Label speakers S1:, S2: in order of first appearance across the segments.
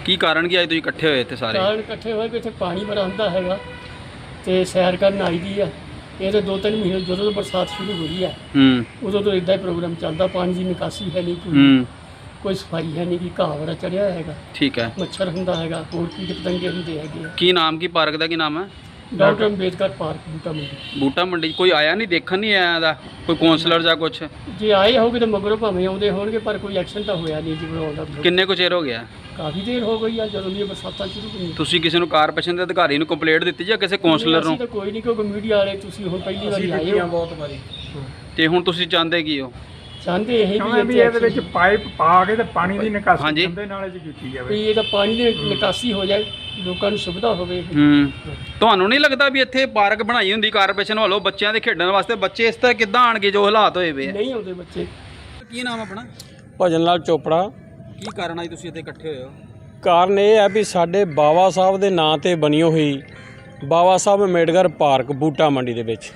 S1: ਕੀ ਕਾਰਨ ਕੀ ਅੱਜ ਤੁਸੀਂ ਇਕੱਠੇ ਹੋਏ ਇੱਥੇ ਸਾਰੇ?
S2: ਕਾਰਨ ਇਕੱਠੇ ਹੋਏ ਕਿ ਇੱਥੇ ਪਾਣੀ ਬੜਾ ਹੁੰਦਾ ਹੈਗਾ ਤੇ ਸੈਰ ਕਰਨ ਆਈ ਦੀ ਆ। ਇਹ ਤਾਂ 2-3 ਮਹੀਨੇ ਜਦੋਂ ਤੋਂ ਬਰਸਾਤ ਸ਼ੁਰੂ ਹੋਈ ਆ ਉਦੋਂ ਤੋਂ ਇੱਦਾਂ ਹੀ ਪ੍ਰੋਗਰਾਮ ਚੱਲਦਾ। ਪਾਣੀ ਦੀ ਨਿਕਾਸੀ ਹੈ ਨਹੀਂ, ਕੋਈ ਸਫਾਈ ਹੈ ਨਹੀਂ, ਕਿ ਘਾਹ ਬੜਾ ਚੜਿਆ ਹੈਗਾ।
S1: ਠੀਕ ਹੈ।
S2: ਮੱਛਰ ਹੁੰਦਾ ਹੈਗਾ, ਹੋਰ ਕੀਟ ਪਤੰਗੇ ਹੁੰਦੇ ਹੈਗੇ।
S1: ਕੀ ਨਾਮ ਕੀ ਪਾਰਕ ਦਾ ਕੀ ਨਾਮ ਹੈ?
S2: ਡਾਕਟਰ ਅੰਬੇਦਕਰ ਪਾਰਕ ਬੂਟਾ ਮੰਡੀ।
S1: ਬੂਟਾ ਮੰਡੀ ਕੋਈ ਆਇਆ ਨਹੀਂ, ਦੇਖਣ ਨਹੀਂ ਆਇਆ ਦਾ ਕੋਈ ਕਾਉਂਸਲਰ ਜਾਂ ਕੁਛ?
S2: ਜੇ ਆਏ ਹੋਗੇ ਤਾਂ ਮਗਰੋਂ ਭਾਵੇਂ ਆਉਂਦੇ ਹੋਣਗੇ, ਪਰ ਕੋਈ ਐਕਸ਼ਨ ਤਾਂ ਹੋਇਆ ਨਹੀਂ ਜੀ ਬਣਾਉਂਦਾ।
S1: ਕਿੰਨੇ ਕੁ ਚਿਰ ਹੋ ਗਿਆ?
S2: ਕਾਫੀ ਦੇਰ ਹੋ ਗਈ ਆ, ਜਦੋਂ ਦੀਆਂ ਬਰਸਾਤਾਂ ਸ਼ੁਰੂ ਹੋਈਆਂ।
S1: ਤੁਸੀਂ ਕਿਸੇ ਨੂੰ ਕਾਰਪੋਰੇਸ਼ਨ ਦੇ ਅਧਿਕਾਰੀ ਨੂੰ ਕੰਪਲੇਂਟ ਦਿੱਤੀ ਜਾਂ ਕਿਸੇ ਕਾਉਂਸਲਰ ਨੂੰ?
S2: ਤਾਂ ਕੋਈ ਨਹੀਂ, ਕਿਉਂਕਿ ਮੀਡੀਆ ਵਾਲੇ ਤੁਸੀਂ ਹੁਣ ਪਹਿਲੀ ਵਾਰੀ ਆਏ ਹੋ ਬਹੁਤ ਵਾਰੀ।
S1: ਤੇ ਹੁਣ ਤੁਸੀਂ ਚਾਹੁੰਦੇ ਕੀ ਹੋ?
S2: ਚਾਹੁੰਦੇ ਇਹ
S3: ਵੀ ਇਹਦੇ ਵਿੱਚ ਪਾਈਪ ਪਾ ਕੇ ਤੇ ਪਾਣੀ ਦੀ ਨਿਕਾਸੀ
S1: ਹਾਂਜੀ
S3: ਦੇ ਨਾਲ ਚ ਕੀਤੀ ਜਾਵੇ,
S2: ਵੀ ਇਹਦਾ ਪਾਣੀ ਦੀ ਨਿਕਾਸੀ ਹੋ ਜਾਏ, ਲੋਕਾਂ ਨੂੰ ਸੁਵਿਧਾ ਹੋਵੇ।
S1: ਤੁਹਾਨੂੰ ਨਹੀਂ ਲੱਗਦਾ ਵੀ ਇੱਥੇ ਪਾਰਕ ਬਣਾਈ ਹੁੰਦੀ ਕਾਰਪੋਰੇਸ਼ਨ ਵੱਲੋਂ ਬੱਚਿਆਂ ਦੇ ਖੇਡਣ ਵਾਸਤੇ? ਬੱਚੇ ਇਸ ਤਰ੍ਹਾਂ ਕਿੱਦਾਂ ਆਣਗੇ ਜੋ ਹਾਲਾਤ ਹੋਏ ਵੇ ਆ?
S2: ਨਹੀਂ ਆਉਂਦੇ ਬੱਚੇ।
S1: ਕੀ ਨਾਮ ਆਪਣਾ?
S4: ਭਜਨ ਲਾਲ ਚੋਪੜਾ।
S1: ਕੀ ਕਾਰਨ ਅੱਜ ਤੁਸੀਂ ਇੱਥੇ ਇਕੱਠੇ ਹੋਏ ਹੋ?
S4: ਕਾਰਨ ਇਹ ਹੈ ਵੀ ਸਾਡੇ ਬਾਬਾ ਸਾਹਿਬ ਦੇ ਨਾਂ ਤੇ ਬਣੀ ਹੋਈ ਬਾਬਾ ਸਾਹਿਬ ਅੰਬੇਡਕਰ ਪਾਰਕ ਬੂਟਾ ਮੰਡੀ ਦੇ ਵਿੱਚ,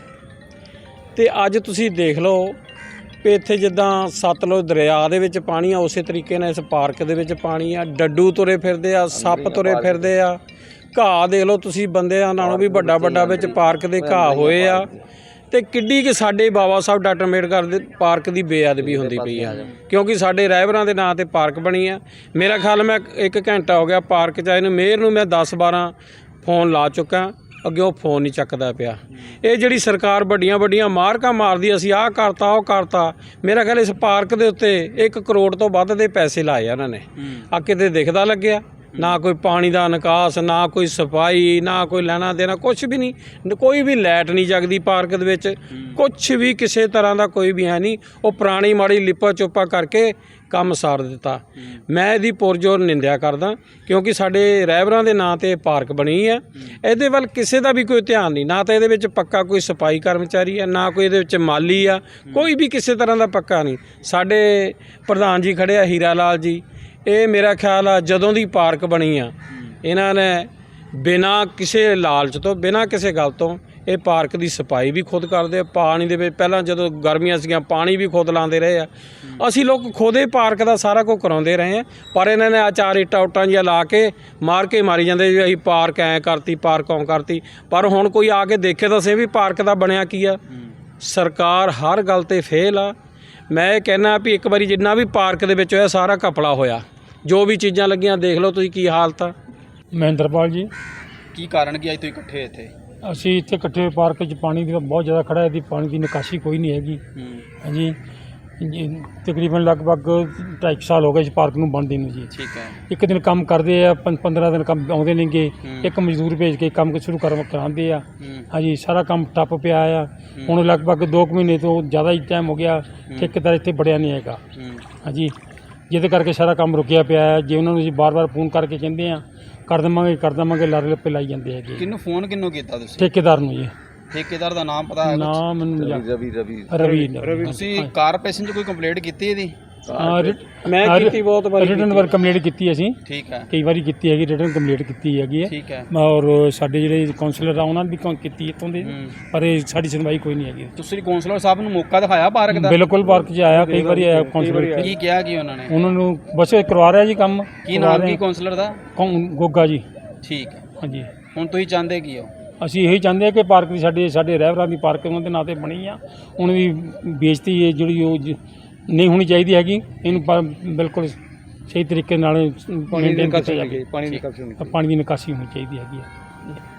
S4: ਤੇ ਅੱਜ ਤੁਸੀਂ ਦੇਖ ਲਓ ਵੀ ਇੱਥੇ ਜਿੱਦਾਂ ਸਤਲੁਜ ਦਰਿਆ ਦੇ ਵਿੱਚ ਪਾਣੀ ਆ, ਉਸੇ ਤਰੀਕੇ ਨਾਲ ਇਸ ਪਾਰਕ ਦੇ ਵਿੱਚ ਪਾਣੀ ਆ। ਡੱਡੂ ਤੁਰੇ ਫਿਰਦੇ ਆ, ਸੱਪ ਤੁਰੇ ਫਿਰਦੇ ਆ, ਘਾਹ ਦੇਖ ਲਓ ਤੁਸੀਂ, ਬੰਦਿਆਂ ਨਾਲੋਂ ਵੀ ਵੱਡਾ ਵੱਡਾ ਵਿੱਚ ਪਾਰਕ ਦੇ ਘਾਹ ਹੋਏ ਆ। ਤੇ ਕਿੱਡੀ ਕਿ ਸਾਡੇ ਬਾਬਾ ਸਾਹਿਬ ਡਾਕਟਰ ਅੰਬੇਡਕਰ ਦੇ ਪਾਰਕ ਦੀ ਬੇਅਦਬੀ ਹੁੰਦੀ ਪਈ ਆ, ਕਿਉਂਕਿ ਸਾਡੇ ਰਹਿਬਰਾਂ ਦੇ ਨਾਂ ਤੇ ਪਾਰਕ ਬਣੀ ਆ। ਮੇਰਾ ਖਿਆਲ ਮੈਂ 1 ਘੰਟਾ ਹੋ ਗਿਆ ਪਾਰਕ 'ਚ ਆਏ ਨੂੰ, ਮੇਅਰ ਨੂੰ ਮੈਂ 10-12 ਫੋਨ ਲਾ ਚੁੱਕਾ, ਅੱਗੇ ਉਹ ਫੋਨ ਨਹੀਂ ਚੱਕਦਾ ਪਿਆ। ਇਹ ਜਿਹੜੀ ਸਰਕਾਰ ਵੱਡੀਆਂ ਮਾਰਕਾਂ ਮਾਰਦੀ, ਅਸੀਂ ਆਹ ਕਰਤਾ ਉਹ ਕਰਤਾ। ਮੇਰਾ ਖਿਆਲ ਇਸ ਪਾਰਕ ਦੇ ਉੱਤੇ 1 ਕਰੋੜ ਤੋਂ ਵੱਧ ਦੇ ਪੈਸੇ ਲਾਏ ਆ ਉਹਨਾਂ ਨੇ। ਆ ਕਿਤੇ ਦਿਖਦਾ ਲੱਗਿਆ? ਨਾ ਕੋਈ ਪਾਣੀ ਦਾ ਨਿਕਾਸ, ਨਾ ਕੋਈ ਸਫਾਈ, ਨਾ ਕੋਈ ਲੈਣਾ ਦੇਣਾ, ਕੁਛ ਵੀ ਨਹੀਂ। ਕੋਈ ਵੀ ਲਾਈਟ ਨਹੀਂ ਜਗਦੀ ਪਾਰਕ ਦੇ ਵਿੱਚ, ਕੁਛ ਵੀ ਕਿਸੇ ਤਰ੍ਹਾਂ ਦਾ ਕੋਈ ਵੀ ਹੈ ਨਹੀਂ। ਉਹ ਪੁਰਾਣੀ ਮਾੜੀ ਲਿਪਾ ਚੋਪਾ ਕਰਕੇ ਕੰਮ ਸਾਰ ਦਿੱਤਾ। ਮੈਂ ਇਹਦੀ ਪੁਰਜੋਰ ਨਿੰਦਿਆ ਕਰਦਾ, ਕਿਉਂਕਿ ਸਾਡੇ ਰਹਿਬਰਾਂ ਦੇ ਨਾਂ ਤੇ ਪਾਰਕ ਬਣੀ ਹੈ। ਇਹਦੇ ਵੱਲ ਕਿਸੇ ਦਾ ਵੀ ਕੋਈ ਧਿਆਨ ਨਹੀਂ, ਨਾ ਤਾਂ ਇਹਦੇ ਵਿੱਚ ਪੱਕਾ ਕੋਈ ਸਫਾਈ ਕਰਮਚਾਰੀ ਹੈ, ਨਾ ਕੋਈ ਇਹਦੇ ਵਿੱਚ ਮਾਲੀ ਆ, ਕੋਈ ਵੀ ਕਿਸੇ ਤਰ੍ਹਾਂ ਦਾ ਪੱਕਾ ਨਹੀਂ। ਸਾਡੇ ਪ੍ਰਧਾਨ ਜੀ ਖੜ੍ਹੇ ਆ ਹੀਰਾ ਲਾਲ ਜੀ, ਇਹ ਮੇਰਾ ਖਿਆਲ ਆ ਜਦੋਂ ਦੀ ਪਾਰਕ ਬਣੀ ਆ ਇਹਨਾਂ ਨੇ ਬਿਨਾਂ ਕਿਸੇ ਲਾਲਚ ਤੋਂ, ਬਿਨਾਂ ਕਿਸੇ ਗੱਲ ਤੋਂ ਇਹ ਪਾਰਕ ਦੀ ਸਫਾਈ ਵੀ ਖੁਦ ਕਰਦੇ ਆ। ਪਾਣੀ ਦੇ ਵਿੱਚ ਪਹਿਲਾਂ ਜਦੋਂ ਗਰਮੀਆਂ ਸੀਗੀਆਂ ਪਾਣੀ ਵੀ ਖੁਦ ਲਾਉਂਦੇ ਰਹੇ ਆ। ਅਸੀਂ ਲੋਕ ਖੁਦ ਇਹ ਪਾਰਕ ਦਾ ਸਾਰਾ ਕੁਝ ਕਰਾਉਂਦੇ ਰਹੇ ਆ, ਪਰ ਇਹਨਾਂ ਨੇ ਆ 4 ਇੱਟਾਂ ਉੱਟਾਂ ਜਿਹੀਆਂ ਲਾ ਕੇ ਮਾਰੀ ਜਾਂਦੇ ਵੀ ਅਸੀਂ ਪਾਰਕ ਐਂ ਕਰਤੀ, ਪਾਰਕ ਓਂ ਕਰਤੀ। ਪਰ ਹੁਣ ਕੋਈ ਆ ਕੇ ਦੇਖੇ ਤਾਂ ਸਹੀ ਵੀ ਪਾਰਕ ਦਾ ਬਣਿਆ ਕੀ ਆ। ਸਰਕਾਰ ਹਰ ਗੱਲ 'ਤੇ ਫੇਲ ਆ। ਮੈਂ ਇਹ ਕਹਿਣਾ ਵੀ ਇੱਕ ਵਾਰੀ ਜਿੰਨਾ ਵੀ ਪਾਰਕ ਦੇ ਵਿੱਚ ਹੋਇਆ ਸਾਰਾ ਘਪਲਾ ਹੋਇਆ। ਜੋ ਵੀ ਚੀਜ਼ਾਂ ਲੱਗੀਆਂ ਦੇਖ ਲਓ ਤੁਸੀਂ ਕੀ ਹਾਲਤ ਆ।
S3: ਮਹਿੰਦਰਪਾਲ ਜੀ।
S1: ਕੀ ਕਾਰਨ ਕੀ ਅੱਜ ਤੁਸੀਂ ਇਕੱਠੇ ਹੋਏ ਇੱਥੇ?
S3: ਅਸੀਂ ਇੱਥੇ ਇਕੱਠੇ ਪਾਰਕ 'ਚ ਪਾਣੀ ਦੀ ਬਹੁਤ ਜ਼ਿਆਦਾ ਖੜਾ ਹੈ, ਪਾਣੀ ਦੀ ਨਿਕਾਸੀ ਕੋਈ ਨਹੀਂ ਹੈਗੀ। ਹਾਂਜੀ, ਤਕਰੀਬਨ ਲਗਭਗ 2.5 ਸਾਲ ਹੋ ਗਏ ਇਸ ਪਾਰਕ ਨੂੰ ਬਣਦੇ ਨੂੰ ਜੀ।
S1: ਠੀਕ ਹੈ।
S3: ਇੱਕ ਦਿਨ ਕੰਮ ਕਰਦੇ ਆ, 15 ਦਿਨ ਕੰਮ ਆਉਂਦੇ ਨੇਗੇ, ਇੱਕ ਮਜ਼ਦੂਰ ਭੇਜ ਕੇ ਕੰਮ ਸ਼ੁਰੂ ਕਰਾਉਂਦੇ ਆ। ਹਾਂਜੀ, ਸਾਰਾ ਕੰਮ ਟੱਪ ਪਿਆ ਆ। ਹੁਣ ਲਗਭਗ 2 ਮਹੀਨੇ ਤੋਂ ਜ਼ਿਆਦਾ ਹੀ ਟਾਈਮ ਹੋ ਗਿਆ, ਠੇਕੇਦਾਰ ਇੱਥੇ ਬੜਿਆ ਨਹੀਂ ਹੈਗਾ। ਹਾਂਜੀ, ਜਿਹਦੇ ਕਰਕੇ ਸਾਰਾ ਕੰਮ ਰੁਕਿਆ ਪਿਆ ਹੈ। ਜੇ ਉਹਨਾਂ ਨੂੰ ਅਸੀਂ ਬਾਰ-ਬਾਰ ਫੋਨ ਕਰਕੇ ਕਹਿੰਦੇ ਆ ਕਰ ਦੇਵਾਂਗੇ ਲਾਰੇ ਲੱਪੇ ਲਾਈ ਜਾਂਦੇ ਹੈਗੇ।
S1: ਕਿਹਨੂੰ ਫੋਨ ਕੀਤਾ ਤੁਸੀਂ?
S3: ਠੇਕੇਦਾਰ ਨੂੰ ਜੀ।
S1: ਠੇਕੇਦਾਰ ਦਾ ਨਾਮ ਪਤਾ ਹੈ?
S3: ਨਾਮ ਮੈਨੂੰ ਰਵੀ।
S1: ਤੁਸੀਂ ਕਾਰਪੋਰੇਸ਼ਨ 'ਚ ਕੋਈ ਕੰਪਲੇਂਟ ਕੀਤੀ ਇਹਦੀ?
S4: ਮੈਂ ਕੀਤੀ ਬਹੁਤ ਵਾਰੀ,
S3: ਰਿਟਨ ਵਰਕ ਕੰਪਲੀਟ ਕੀਤੀ ਅਸੀਂ।
S1: ਠੀਕ ਹੈ।
S3: ਕਈ ਵਾਰੀ ਕੀਤੀ ਹੈਗੀ, ਰਿਟਨ ਕੰਪਲੀਟ ਕੀਤੀ ਹੈਗੀ ਹੈ।
S1: ਠੀਕ ਹੈ।
S3: ਔਰ ਸਾਡੇ ਜਿਹੜੇ ਕਾਉਂਸਲਰ ਆ ਉਹਨਾਂ ਨੇ ਵੀ ਕੀਤੀ ਇੱਥੋਂ ਦੇ, ਪਰ ਇਹ ਸਾਡੀ ਸੁਣਵਾਈ ਕੋਈ ਨਹੀਂ ਹੈਗੀ।
S1: ਤੁਸੀਂ ਕਾਉਂਸਲਰ ਸਾਹਿਬ ਨੂੰ ਮੌਕਾ ਦਿਖਾਇਆ ਪਾਰਕ ਦਾ?
S3: ਬਿਲਕੁਲ, ਪਾਰਕ 'ਚ ਆਇਆ, ਕਈ ਵਾਰੀ ਆਇਆ ਕਾਉਂਸਲਰ।
S1: ਕੀ ਕਿਹਾ ਕੀ ਉਹਨਾਂ ਨੇ?
S3: ਉਹਨਾਂ ਨੂੰ ਬਸ ਕਰਵਾ ਰਿਹਾ ਜੀ ਕੰਮ।
S1: ਕੀ ਨਾਮ ਕੀ ਕਾਉਂਸਲਰ ਦਾ?
S3: ਗੋਗਾ ਜੀ।
S1: ਠੀਕ ਹੈ।
S3: ਹਾਂਜੀ,
S1: ਹੁਣ ਤੁਸੀਂ ਚਾਹੁੰਦੇ ਕੀ ਹੋ?
S3: ਅਸੀਂ ਇਹੀ ਚਾਹੁੰਦੇ ਹਾਂ ਕਿ ਪਾਰਕ ਦੀ ਸਾਡੇ ਰਹਿਬਰਾਂ ਦੀ ਪਾਰਕ ਉਹਨਾਂ ਦੇ ਨਾਂ 'ਤੇ ਬਣੀ ਆ, ਉਹਨਾਂ ਦੀ ਬੇਇੱਜ਼ਤੀ ਹੈ ਜਿਹੜੀ ਉਹ ਨਹੀਂ ਹੋਣੀ ਚਾਹੀਦੀ ਹੈਗੀ। ਇਹਨੂੰ ਬਿਲਕੁਲ ਸਹੀ ਤਰੀਕੇ ਨਾਲ ਮੇਨਟੇਨ ਕੀਤਾ ਜਾਵੇ। ਪਾਣੀ ਦੀ ਨਿਕਾਸੀ ਹੋਣੀ ਚਾਹੀਦੀ ਹੈਗੀ ਹੈ।